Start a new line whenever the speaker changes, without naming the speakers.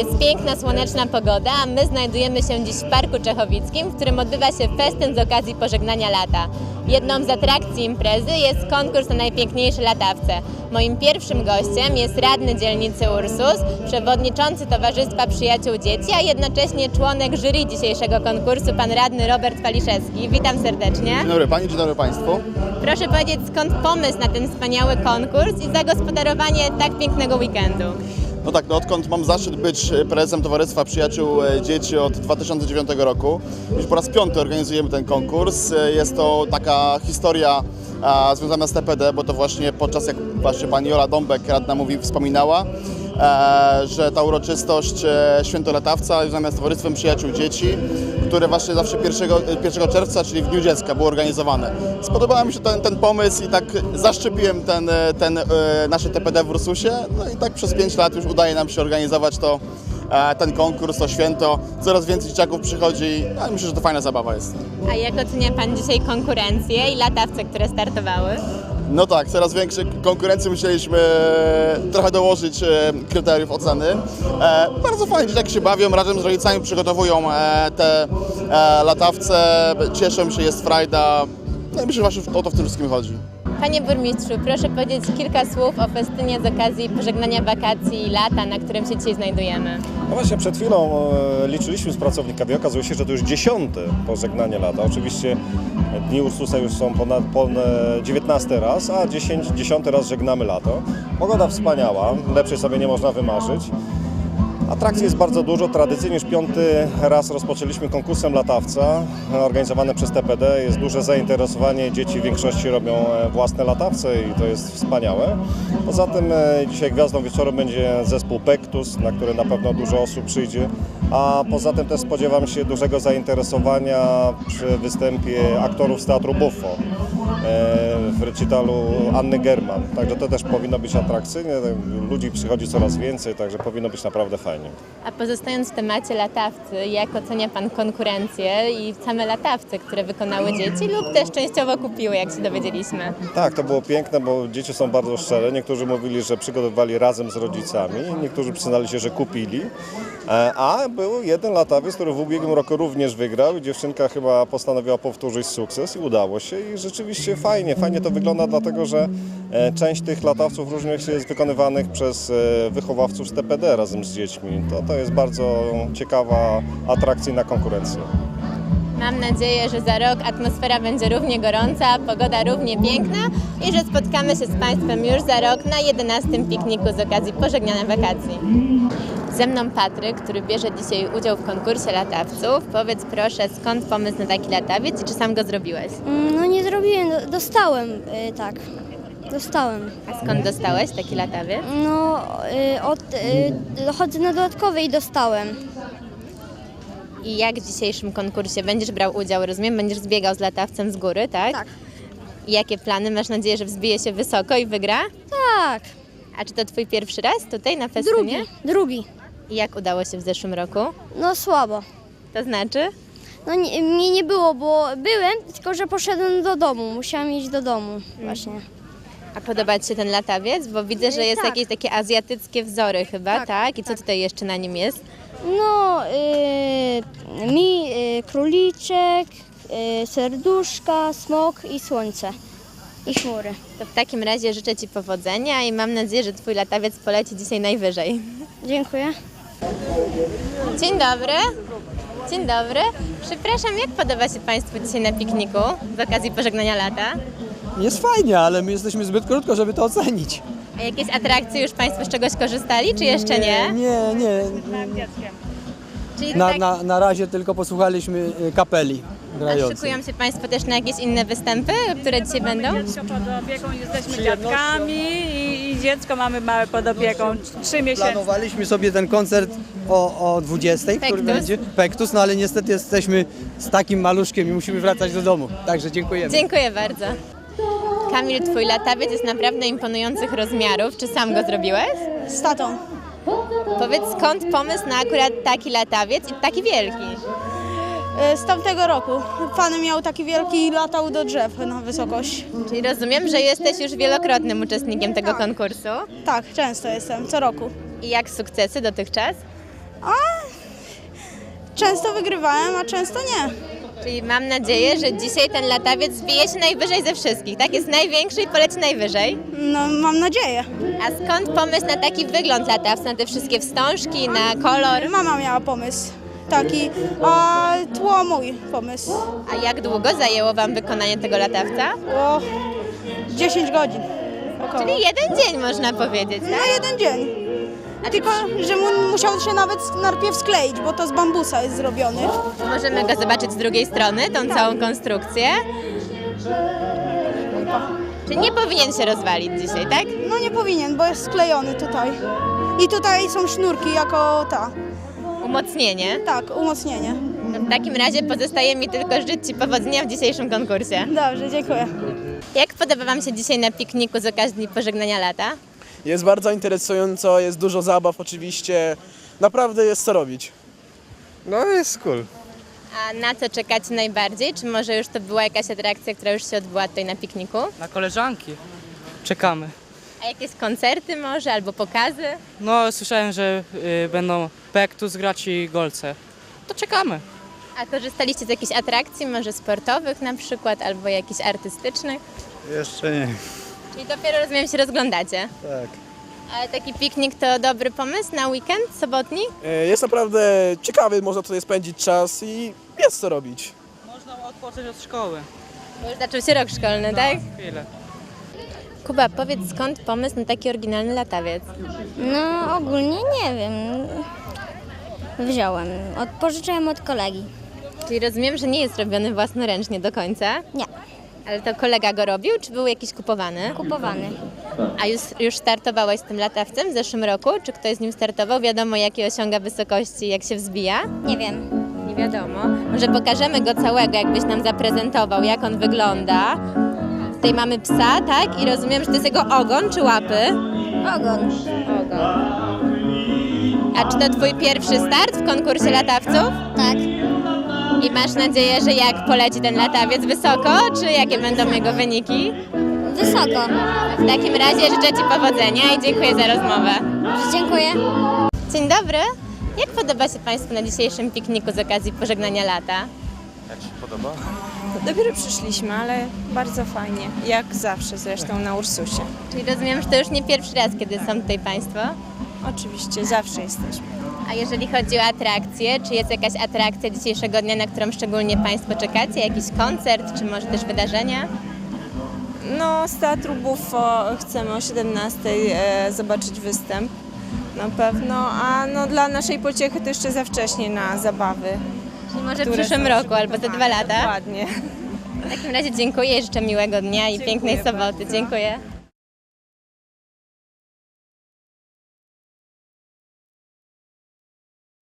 Jest piękna, słoneczna pogoda, a my znajdujemy się dziś w Parku Czechowickim, w którym odbywa się festyn z okazji pożegnania lata. Jedną z atrakcji imprezy jest konkurs na najpiękniejsze latawce. Moim pierwszym gościem jest radny dzielnicy Ursus, przewodniczący Towarzystwa Przyjaciół Dzieci, a jednocześnie członek jury dzisiejszego konkursu, pan radny Robert Waliszewski. Witam serdecznie.
Dzień dobry Pani, dzień dobry Państwu.
Proszę powiedzieć, skąd pomysł na ten wspaniały konkurs i zagospodarowanie tak pięknego weekendu?
No tak, odkąd mam zaszczyt być prezesem Towarzystwa Przyjaciół Dzieci od 2009 roku, już po raz 5. organizujemy ten konkurs. Jest to taka historia związana z TPD, bo to właśnie podczas, jak właśnie Pani Jola Dąbek, radna wspominała, że ta uroczystość Święto Latawca związana z Towarzystwem Przyjaciół Dzieci, które właśnie zawsze 1 czerwca, czyli w Dniu Dziecka, było organizowane. Spodobał mi się ten pomysł i tak zaszczepiłem ten nasze TPD w Ursusie. No i tak przez 5 lat już udaje nam się organizować ten konkurs, to święto. Coraz więcej dzieciaków przychodzi, ale myślę, że to fajna zabawa jest.
A jak ocenia Pan dzisiaj konkurencję i latawce, które startowały?
No tak, coraz większej konkurencji musieliśmy trochę dołożyć kryteriów oceny. Bardzo fajnie, dzieciaki się bawią, razem z rodzicami przygotowują te latawce, cieszą się, jest frajda. No i myślę, że właśnie o to w tym wszystkim chodzi.
Panie burmistrzu, proszę powiedzieć kilka słów o festynie z okazji pożegnania wakacji i lata, na którym się dzisiaj znajdujemy.
No właśnie przed chwilą liczyliśmy z pracownikami, okazuje się, że to już 10. pożegnanie lata. Oczywiście Dni Ursusa już są ponad 19 raz, a 10 raz żegnamy lato. Pogoda wspaniała, lepszej sobie nie można wymarzyć. Atrakcji jest bardzo dużo. Tradycyjnie już 5. raz rozpoczęliśmy konkursem latawca organizowane przez TPD. Jest duże zainteresowanie. Dzieci w większości robią własne latawce i to jest wspaniałe. Poza tym dzisiaj gwiazdą wieczoru będzie zespół Pektus, na który na pewno dużo osób przyjdzie. A poza tym też spodziewam się dużego zainteresowania przy występie aktorów z Teatru Buffo w recitalu Anny German. Także to też powinno być atrakcyjne. Ludzi przychodzi coraz więcej, także powinno być naprawdę fajnie.
A pozostając w temacie latawcy, jak ocenia Pan konkurencję i same latawce, które wykonały dzieci lub też częściowo kupiły, jak się dowiedzieliśmy?
Tak, to było piękne, bo dzieci są bardzo szczere. Niektórzy mówili, że przygotowywali razem z rodzicami, niektórzy przyznali się, że kupili. A był jeden latawiec, który w ubiegłym roku również wygrał i dziewczynka chyba postanowiła powtórzyć sukces i udało się. I rzeczywiście fajnie to wygląda, dlatego że część tych latawców również jest wykonywanych przez wychowawców z TPD razem z dziećmi. To jest bardzo ciekawa, atrakcyjna konkurencja.
Mam nadzieję, że za rok atmosfera będzie równie gorąca, pogoda równie piękna i że spotkamy się z Państwem już za rok na 11. pikniku z okazji pożegnania wakacji. Ze mną Patryk, który bierze dzisiaj udział w konkursie latawców. Powiedz proszę, skąd pomysł na taki latawiec i czy sam go zrobiłeś?
No nie zrobiłem, dostałem, tak, dostałem.
A skąd dostałeś taki latawiec?
No chodzę na dodatkowej i dostałem.
I jak w dzisiejszym konkursie będziesz brał udział, rozumiem? Będziesz zbiegał z latawcem z góry, tak?
Tak.
I jakie plany? Masz nadzieję, że wzbije się wysoko i wygra?
Tak,
A czy to Twój pierwszy raz tutaj na festynie?
drugi.
I jak udało się w zeszłym roku?
No słabo.
To znaczy?
No mnie nie było, bo byłem, tylko że poszedłem do domu, musiałam iść do domu właśnie.
A podoba Ci się ten latawiec? Bo widzę, że jest
Tak.
jakieś takie azjatyckie wzory chyba, tak?
Tak,
I co tutaj jeszcze na nim jest?
No króliczek, serduszka, smok i słońce i chmury.
To w takim razie życzę Ci powodzenia i mam nadzieję, że Twój latawiec poleci dzisiaj najwyżej.
Dziękuję.
Dzień dobry. Dzień dobry. Przepraszam, jak podoba się Państwu dzisiaj na pikniku z okazji pożegnania lata?
Jest fajnie, ale my jesteśmy zbyt krótko, żeby to ocenić.
A jakieś atrakcje już Państwo z czegoś korzystali, czy jeszcze nie?
Nie.
Czyli tak,
Na razie tylko posłuchaliśmy kapeli
a
grającej.
szykują się Państwo też na jakieś inne występy, które dzisiaj będą?
Dziecko pod opieką, jesteśmy dziadkami i dziecko mamy małe pod opieką, 3 miesiące.
Planowaliśmy sobie ten koncert o 20, który
Pektus.
będzie Pektus, no ale niestety jesteśmy z takim maluszkiem i musimy wracać do domu. Także dziękujemy.
Dziękuję bardzo. Kamil, Twój latawiec jest naprawdę imponujących rozmiarów. Czy sam go zrobiłeś?
Z tatą.
Powiedz, skąd pomysł na akurat taki latawiec i taki wielki?
Z tamtego roku. Pan miał taki wielki i latał do drzew na wysokość.
Czyli rozumiem, że jesteś już wielokrotnym uczestnikiem tego konkursu.
Tak, często jestem, co roku.
I jak sukcesy dotychczas?
Często wygrywałem, a często nie.
Czyli mam nadzieję, że dzisiaj ten latawiec wbije się najwyżej ze wszystkich, tak? Jest największy i poleci najwyżej.
No, mam nadzieję.
A skąd pomysł na taki wygląd latawca, na te wszystkie wstążki, na kolor?
Mama miała pomysł taki, a tło mój pomysł.
A jak długo zajęło Wam wykonanie tego latawca?
O 10 godzin. Około.
Czyli jeden dzień można powiedzieć,
No
tak?
jeden dzień. Tylko, że musiał się nawet najpierw skleić, bo to z bambusa jest zrobiony.
Możemy go zobaczyć z drugiej strony, tą całą konstrukcję. Czyli nie powinien się rozwalić dzisiaj, tak?
No nie powinien, bo jest sklejony tutaj. I tutaj są sznurki jako
Umocnienie.
tak, umocnienie.
No w takim razie pozostaje mi tylko życzyć Ci powodzenia w dzisiejszym konkursie.
Dobrze, dziękuję.
Jak podoba Wam się dzisiaj na pikniku z okazji pożegnania lata?
Jest bardzo interesująco, jest dużo zabaw oczywiście. Naprawdę jest co robić.
No jest cool.
A na co czekacie najbardziej? Czy może już to była jakaś atrakcja, która już się odbyła tutaj na pikniku?
Na koleżanki. Czekamy.
A jakieś koncerty może albo pokazy?
No, słyszałem, że będą Pektus grać i Golce. To czekamy.
A korzystaliście z jakichś atrakcji, może sportowych na przykład, albo jakichś artystycznych?
Jeszcze nie.
Czyli dopiero, rozumiem, się rozglądacie.
Tak.
Ale taki piknik to dobry pomysł na weekend sobotni?
Jest naprawdę ciekawy, można tutaj spędzić czas i jest co robić.
Można odpocząć od szkoły.
Bo już zaczął się rok szkolny, tak?
Chwilę.
Kuba, powiedz, skąd pomysł na taki oryginalny latawiec?
No ogólnie nie wiem. Wziąłem, pożyczyłem od kolegi.
Czyli rozumiem, że nie jest robiony własnoręcznie do końca,
Nie,
ale to kolega go robił, czy był jakiś kupowany?
kupowany.
A już startowałeś z tym latawcem w zeszłym roku? Czy ktoś z nim startował? Wiadomo, jakie osiąga wysokości, jak się wzbija?
Nie wiem.
Nie wiadomo. Może pokażemy go całego, jakbyś nam zaprezentował, jak on wygląda. Tutaj mamy psa, tak? I rozumiem, że to jest jego ogon czy łapy?
Ogon.
Ogon. A czy to twój pierwszy start w konkursie latawców?
Tak.
I masz nadzieję, że jak poleci ten latawiec wysoko, czy jakie będą jego wyniki?
Wysoko.
W takim razie życzę Ci powodzenia i dziękuję za rozmowę.
Dziękuję.
Dzień dobry. Jak podoba się Państwu na dzisiejszym pikniku z okazji pożegnania lata?
Jak się podoba?
Dopiero przyszliśmy, ale bardzo fajnie. Jak zawsze zresztą na Ursusie.
Czyli rozumiem, że to już nie pierwszy raz, kiedy są tutaj Państwo.
Oczywiście, zawsze jesteśmy.
A jeżeli chodzi o atrakcje, czy jest jakaś atrakcja dzisiejszego dnia, na którą szczególnie Państwo czekacie? Jakiś koncert, czy może też wydarzenia?
No, z Teatru Buffo chcemy o 17:00 zobaczyć występ. Na pewno, a no dla naszej pociechy to jeszcze za wcześnie na zabawy.
Czyli może w
które
przyszłym
są
roku albo za 2
przygotowane.
lata?
Dokładnie.
W takim razie dziękuję i życzę miłego dnia i pięknej soboty. Dziękuję.